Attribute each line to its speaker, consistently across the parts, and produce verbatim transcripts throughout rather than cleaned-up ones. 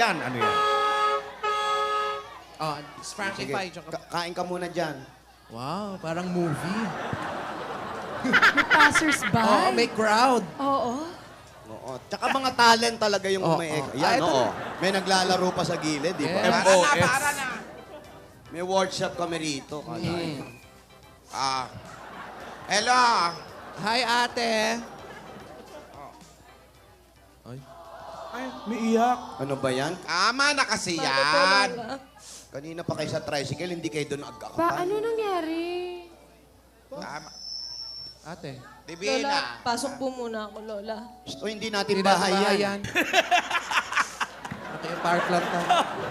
Speaker 1: yan? Ano yan?
Speaker 2: Oh, it's Frankie
Speaker 3: Sige,
Speaker 2: Pie. tsaka-
Speaker 3: ka- kain ka muna dyan.
Speaker 2: Wow, parang movie.
Speaker 4: May passers-by.
Speaker 2: Oo, may crowd.
Speaker 4: Oo.
Speaker 3: Oo. Tsaka mga talent talaga yung
Speaker 2: Oo,
Speaker 3: may...
Speaker 2: oo.
Speaker 3: Yan,
Speaker 2: Ah, ito
Speaker 3: oo. May naglalaro pa sa gilid, di ba?
Speaker 2: Yeah.
Speaker 1: M O S.
Speaker 3: May workshop kami rito. Kalahin.
Speaker 5: Ah. Hello.
Speaker 2: Hi, ate.
Speaker 1: Ay, may iyak.
Speaker 3: Ano ba yan?
Speaker 5: Tama na kasi
Speaker 4: Bakit po,
Speaker 5: yan.
Speaker 4: Lola?
Speaker 3: Kanina pa kayo sa tricycle, hindi kayo doon
Speaker 4: Ba,
Speaker 3: agakapan.
Speaker 4: ano nangyari?
Speaker 5: Tama.
Speaker 2: Ate.
Speaker 4: Lola,
Speaker 5: Divina.
Speaker 4: pasok po muna ako, Lola.
Speaker 3: O hindi natin
Speaker 2: Hindi na
Speaker 3: bahay
Speaker 2: bahay
Speaker 3: yan.
Speaker 2: yan. Ate, yung park lang to.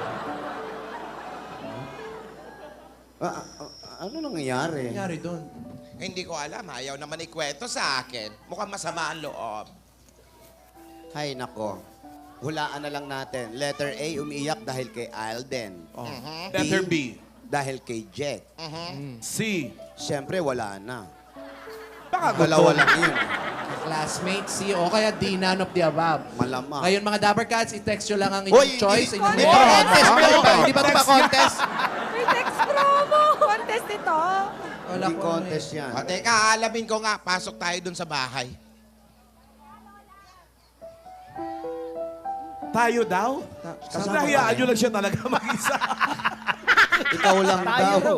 Speaker 3: Ah, ah, ah, ano nangyayari?
Speaker 2: Nangyari doon.
Speaker 5: Hindi ko alam. Ayaw naman ikwento sa akin. Mukhang masama ang loob.
Speaker 3: Hay nako. Hulaan na lang natin. Letter A, umiiyak dahil kay Alden.
Speaker 2: Oh.
Speaker 1: Letter B.
Speaker 3: Dahil kay Jet.
Speaker 1: C.
Speaker 3: Siyempre, wala na.
Speaker 1: Baka
Speaker 3: Dalawa
Speaker 1: gusto.
Speaker 3: lang yun.
Speaker 2: Classmate, C, o kaya D, none of the above.
Speaker 3: Malamang.
Speaker 2: Ngayon, mga Dapper Cats, i-text nyo lang ang
Speaker 3: Hoy,
Speaker 2: inyong choice.
Speaker 3: hindi-
Speaker 2: inyong
Speaker 3: hindi
Speaker 2: name.
Speaker 3: pa contest
Speaker 2: Ah,
Speaker 3: pa
Speaker 2: hindi
Speaker 3: ito.
Speaker 2: ba- Hindi ba ito pa-contest?
Speaker 4: May text promo! Contest ito.
Speaker 2: Wala
Speaker 3: Hindi
Speaker 2: ko
Speaker 3: contest
Speaker 2: ano
Speaker 3: yan.
Speaker 5: O, teka, alamin ko nga. Pasok tayo dun sa bahay.
Speaker 1: Tayo daw?
Speaker 3: Kasama
Speaker 1: Kasi nahiyaan
Speaker 3: tayo.
Speaker 1: nyo lang siya talaga mag-isa.
Speaker 3: Ikaw lang daw.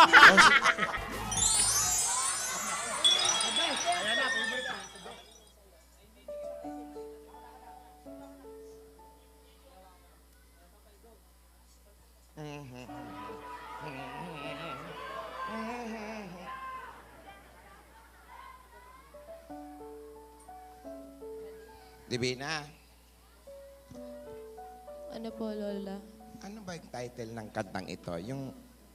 Speaker 5: Divina,
Speaker 4: Ano po, Lola?
Speaker 5: ano ba yung title ng kantang ito? Yung...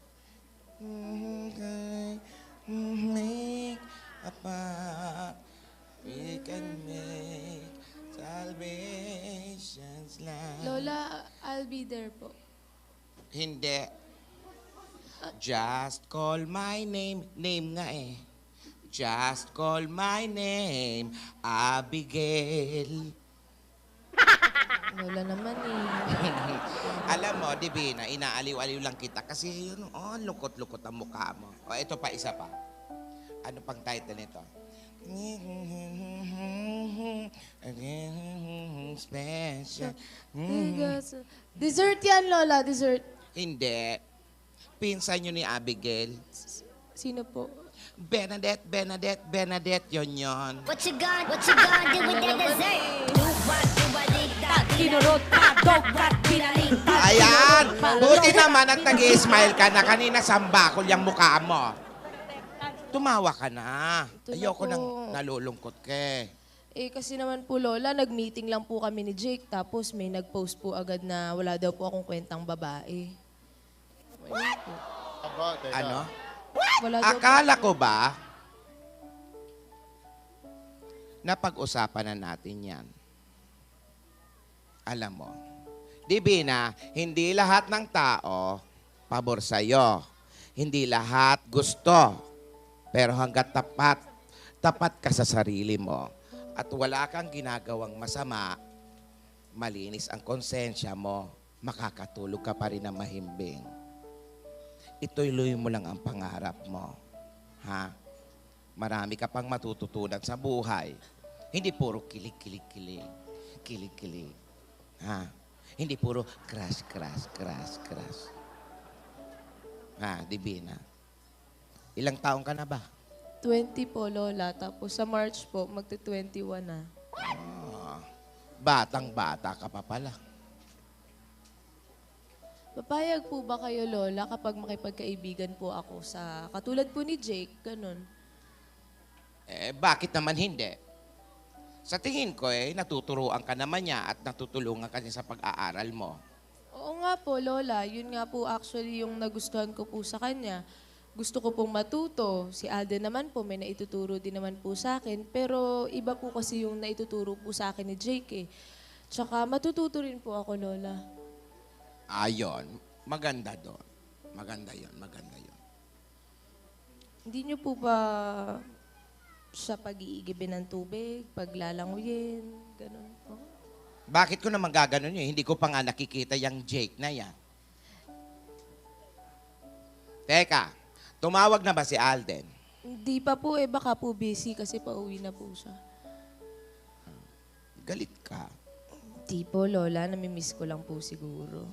Speaker 5: Make a path, we can make salvation's land.
Speaker 4: Lola, I'll be there po.
Speaker 5: Hindi. Just call my name. Name nga eh. Just call my name, Abigail.
Speaker 4: Lola naman eh.
Speaker 5: Alam mo, Divina, inaaliw-aliw lang kita kasi yun, oh, lukot-lukot ang mukha mo. O, ito pa, isa pa. Ano pang title nito? Special.
Speaker 4: Dessert yan, Lola. Dessert.
Speaker 5: Hindi. Pinsan nyo ni Abigail.
Speaker 4: Sino po?
Speaker 5: Bernadette, Bernadette, Bernadette, yon yon.
Speaker 6: What you gonna, what you gonna do with that dessert? Do what, do what, dig that,
Speaker 4: Kinurot ka, dogkat, pinalita.
Speaker 5: Ayan! Buti naman at nag-i-smile ka na. Kanina sambakol yung mukha mo. Tumawa ka na.
Speaker 4: Ito na
Speaker 5: Ayoko
Speaker 4: po.
Speaker 5: nang nalulungkot ka eh.
Speaker 4: Eh, kasi naman po, Lola, nag-meeting lang po kami ni Jake. Tapos may nag-post po agad na wala daw po akong kwentang babae. Ayun po.
Speaker 5: Ano?
Speaker 4: Wala daw po.
Speaker 5: Akala ko ba napag-usapan na natin yan? Alam mo, Divina, hindi lahat ng tao pabor sa'yo. Hindi lahat gusto. Pero hanggat tapat, tapat ka sa sarili mo at wala kang ginagawang masama, malinis ang konsensya mo, makakatulog ka pa rin na mahimbing. Ituloy mo lang ang pangarap mo. Ha? Marami ka pang matututunan sa buhay. Hindi puro kilig-kilig-kilig. Kilig-kilig. Ha? Hindi puro crash, crash, crash, crash. Ha, Divina? Ilang taong ka na ba?
Speaker 4: twenty po, Lola. Tapos sa March po, magti-twenty-one na.
Speaker 5: Ah, batang-bata ka pa pala.
Speaker 4: Papayag po ba kayo, Lola, kapag makipagkaibigan po ako sa, katulad po ni Jake, ganun?
Speaker 5: Eh, bakit naman hindi? Sa tingin ko eh, natuturuan ka naman niya at natutulungan ka niya sa pag-aaral mo.
Speaker 4: Oo nga po, Lola. Yun nga po actually yung nagustuhan ko po sa kanya. Gusto ko pong matuto. Si Alden naman po, may naituturo din naman po sa akin. Pero iba po kasi yung naituturo po sa akin ni Jake eh. Tsaka matututo rin po ako, Lola.
Speaker 5: Ayon, maganda doon. Maganda yon, maganda yon.
Speaker 4: Hindi niyo po ba sa pag-iigibin ng tubig, paglalanguyin, ganun po?
Speaker 5: Bakit ko naman gaganon yun? Hindi ko pa nga nakikita yung Jake na yan. Teka, tumawag na ba si Alden?
Speaker 4: Hindi pa po eh, baka po busy kasi pauwi na po siya.
Speaker 5: Galit ka.
Speaker 4: Di po, Lola. Namimiss ko lang po siguro.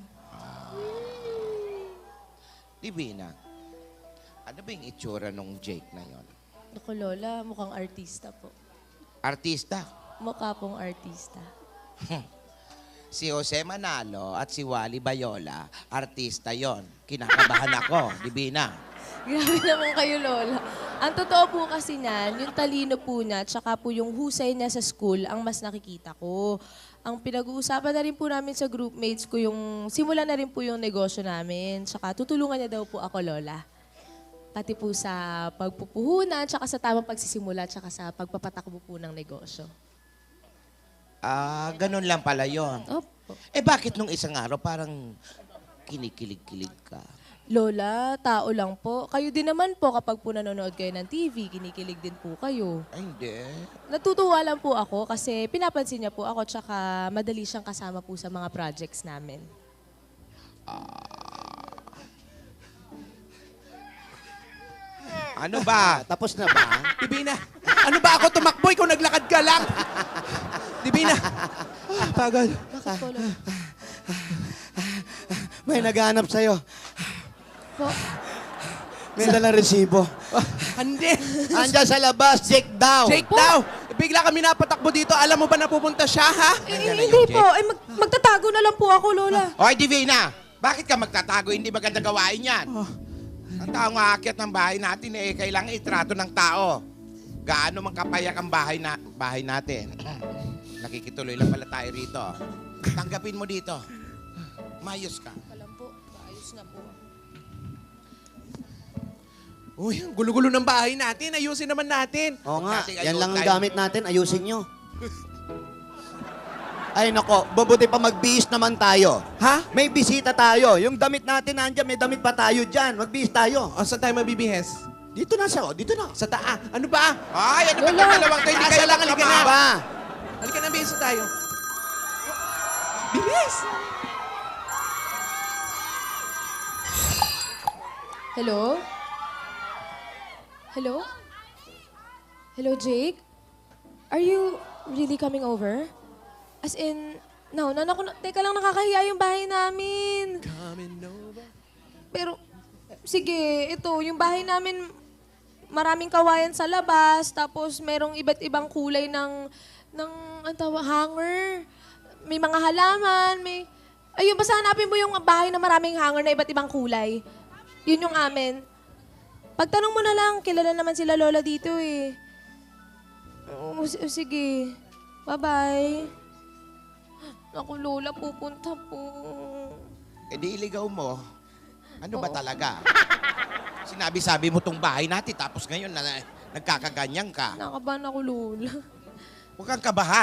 Speaker 5: Divina, ano ba yung itsura nung Jake na yon?
Speaker 4: Naku, Lola, mukhang artista po.
Speaker 5: Artista.
Speaker 4: Mukha pong artista.
Speaker 5: Si Jose Manalo at si Wally Bayola, artista yon. Kinakabahan ako, Divina.
Speaker 4: Grabe naman kayo, Lola. Ang totoo po kasi niyan, yung talino po niya, tsaka po yung husay niya sa school, ang mas nakikita ko. Ang pinag-uusapan na rin po namin sa groupmates ko, yung simula na rin po yung negosyo namin. Tsaka tutulungan niya daw po ako, Lola. Pati po sa pagpupuhunan, tsaka sa tamang pagsisimula, tsaka sa pagpapatakbo po ng negosyo.
Speaker 5: Ah, ganun lang pala yon.
Speaker 4: Opo.
Speaker 5: Eh bakit nung isang araw parang kinikilig-kilig ka?
Speaker 4: Lola, tao lang po. Kayo din naman po kapag po nanonood kayo ng T V, kinikilig din po kayo.
Speaker 5: Ay, hindi.
Speaker 4: Natutuwa lang po ako kasi pinapansin niya po ako tsaka madali siyang kasama po sa mga projects namin.
Speaker 5: Ano ba?
Speaker 3: Tapos na ba?
Speaker 1: Divina, ano ba ako tumakbo? Ikaw naglakad ka lang. Divina. Ah, pagod.
Speaker 4: Bakit po, Lola?
Speaker 3: May naghahanap sa'yo.
Speaker 4: Po,
Speaker 3: May dalang resibo.
Speaker 1: Hindi.
Speaker 3: Andiyan sa labas, check daw.
Speaker 1: Jake daw. Bigla kami napatakbo dito. Alam mo ba na pupunta siya, ha?
Speaker 4: eh,
Speaker 5: Nandiyan na
Speaker 4: hindi
Speaker 5: yung
Speaker 4: po. Eh, mag- magtatago na lang po ako, Lola.
Speaker 5: Hoy, Divina! Bakit ka magtatago? Hindi maganda gawain yan.
Speaker 1: Oh.
Speaker 5: Ang taong aakyat ng bahay natin, eh, kailangan itrato ng tao. Gaano man kapayak ang bahay, na, bahay natin. Nakikituloy lang pala tayo rito. Tanggapin mo dito. Mayos ka.
Speaker 4: Alam po, ayos na po.
Speaker 1: Uy, ang gulo-gulo ng bahay natin. Ayusin naman natin.
Speaker 3: Oo nga,
Speaker 5: Nating
Speaker 3: yan
Speaker 5: ayun
Speaker 3: lang ang
Speaker 5: tayo.
Speaker 3: gamit natin. Ayusin nyo. Ay nako, mabuti pa magbihis naman tayo.
Speaker 1: Ha?
Speaker 3: May bisita tayo. Yung damit natin nandiyan, may damit pa tayo dyan. Magbihis tayo.
Speaker 1: O, saan tayo mabibihes?
Speaker 3: Dito na siya, oh. Dito na.
Speaker 1: Sa taa. Ano ba?
Speaker 5: Ay, ano ba
Speaker 4: Wala.
Speaker 5: itong dalawang kayo? Hindi
Speaker 1: Taas
Speaker 5: kayo
Speaker 1: na lang, halika na.
Speaker 5: magkama.
Speaker 3: Ba?
Speaker 1: Halika na, bihis na tayo. Bilis!
Speaker 4: Hello? Hello? Hello, Jake? Are you really coming over? As in, no, no, naku, teka lang, nakakahiya yung bahay namin.
Speaker 1: Coming over.
Speaker 4: Pero, sige, ito, yung bahay namin, maraming kawayan sa labas, tapos merong iba't ibang kulay ng, ng, ang tawag, hanger. May mga halaman, may, ayun, basta hanapin mo yung bahay na maraming hanger na iba't ibang kulay. Yun yung amin. Pagtanong mo na lang, kilala naman sila Lola dito eh. Oh, s- sige. Bye-bye. Naku, Lola, pupunta po.
Speaker 5: Eh di iligaw mo. Ano ba
Speaker 4: Oo.
Speaker 5: talaga? Sinabi-sabi mo tong bahay natin, tapos ngayon na, nagkakaganyan ka.
Speaker 4: Nakabahan ako, Lola.
Speaker 5: Huwag kang kabahan.